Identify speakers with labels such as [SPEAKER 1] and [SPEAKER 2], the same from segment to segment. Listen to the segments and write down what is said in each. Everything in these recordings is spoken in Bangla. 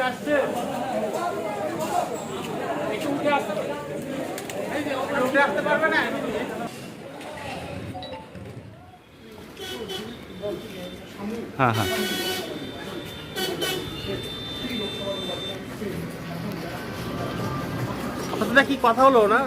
[SPEAKER 1] হ্যাঁ হ্যাঁ আপনাদের কি কথা হলো না?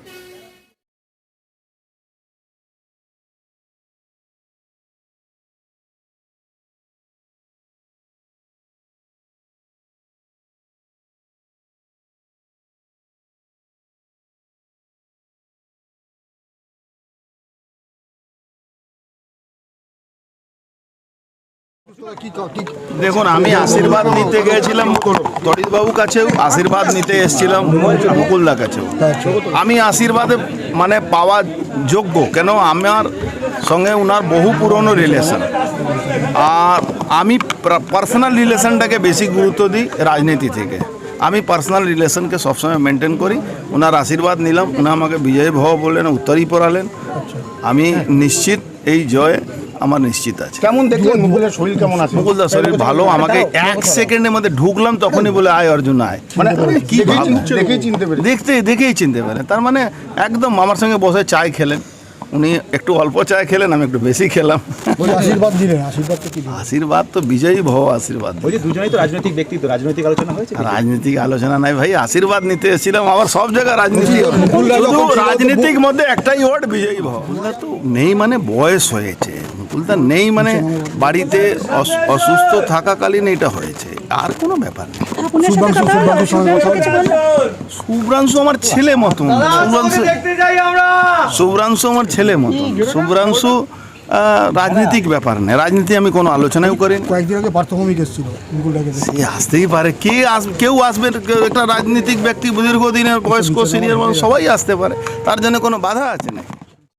[SPEAKER 2] দেখুন, আমি আশীর্বাদ নিতে গিয়েছিলাম তরিতবাবুর কাছেও, আশীর্বাদ নিতে এসেছিলাম মুকুলদার কাছেও। আমি আশীর্বাদে মানে পাওয়া যোগ্য, কেন আমার সঙ্গে ওনার বহু পুরনো রিলেশন, আর আমি পার্সোনাল রিলেশনটাকে বেশি গুরুত্ব দিই রাজনীতি থেকে। আমি পার্সোনাল রিলেশনকে সবসময় মেনটেন করি। ওনার আশীর্বাদ নিলাম, উনি আমাকে বিজয় ভব বললেন, উত্তরই পড়ালেন। আমি নিশ্চিত এই জয় আমার নিশ্চিত আছে।
[SPEAKER 3] কেমন দেখলেন মুকুলের শরীর কেমন আছে?
[SPEAKER 2] মুকুলদার শরীর ভালো। আমাকে 1 সেকেন্ডের মধ্যে ঢুকলাম, তখনই বলে আয় অর্জুন আয়। মানে কি দেখেই চিনতে পেরেন। তার মানে একদম আমার সঙ্গে বসে চায় খেলেন। উনি একটু অল্প চায় খেলেন, আমি একটু বেশি খেলাম।
[SPEAKER 3] আশীর্বাদ দিলেন,
[SPEAKER 2] আশীর্বাদ তো বিজয়ী ভব আশীর্বাদ।
[SPEAKER 1] দুজনেই তো রাজনৈতিক ব্যক্তি, তো রাজনৈতিক আলোচনা হয়েছে?
[SPEAKER 2] রাজনৈতিক আলোচনা নাই ভাই, আশীর্বাদ নিতে এসেছিলাম। আবার সব জায়গায় রাজনীতি, শুধু রাজনীতিক মধ্যে একটাই ওয়ার্ড বিজয়ী ভব। মুকুলদা তো নেই, মানে বয়স হয়েছে। মুকুলদা নেই মানে বাড়িতে অসুস্থ থাকাকালীন এটা হয়েছে, আর কোনো ব্যাপার নেই। শুভ্রাংশু আমার ছেলে মতন, শুভ্রাংশু আমার ছেলে মতন। শুভ্রাংশু রাজনীতিক ব্যাপার নেই, রাজনীতি আমি কোনো আলোচনাও করি।
[SPEAKER 3] কয়েকদিন আগে পার্থভূমিক এসেছিল,
[SPEAKER 2] সে আসতেই পারে, কেউ আসবে, একটা রাজনীতিক ব্যক্তি দীর্ঘদিনের বয়স্ক সিনিয়র মানুষ, সবাই আসতে পারে, তার জন্য কোনো বাধা আছে না।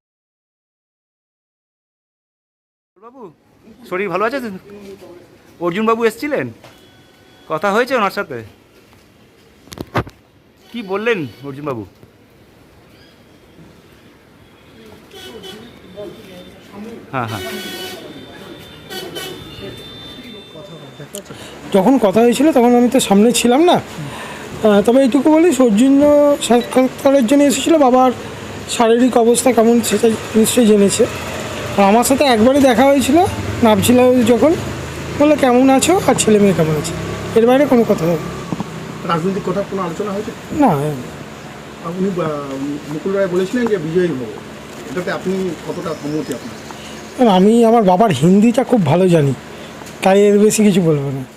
[SPEAKER 1] বাবু শরীর ভালো আছে? অর্জুন বাবু এসেছিলেন, কথা হয়েছে ওনার সাথে? কি বললেন অর্জুন বাবু? হ্যাঁ হ্যাঁ,
[SPEAKER 4] যখন কথা হয়েছিল তখন আমি তো সামনে ছিলাম না, তবে এইটুকু বলি, সৌজন্য সাক্ষাৎকারের জন্য এসেছিল। বাবার শারীরিক অবস্থা কেমন সেটা নিশ্চয়ই জেনেছে। আর আমার সাথে একবারই দেখা হয়েছিল, নামছিল যখন, বললো কেমন আছো আর ছেলে মেয়ে কেমন আছে, এর বাইরে কোনো কথা হবে।
[SPEAKER 3] রাজনৈতিক কথা কোনো আলোচনা হয়েছে
[SPEAKER 4] না?
[SPEAKER 3] উনি মুকুল রায় বলেছিলেন যে বিজয়ী ভব, এটাতে আপনি কতটা সম্মতি আপনার?
[SPEAKER 4] আমি আমার বাবার হিন্দিটা খুব ভালো জানি, তাই এর বেশি কিছু বলবো না।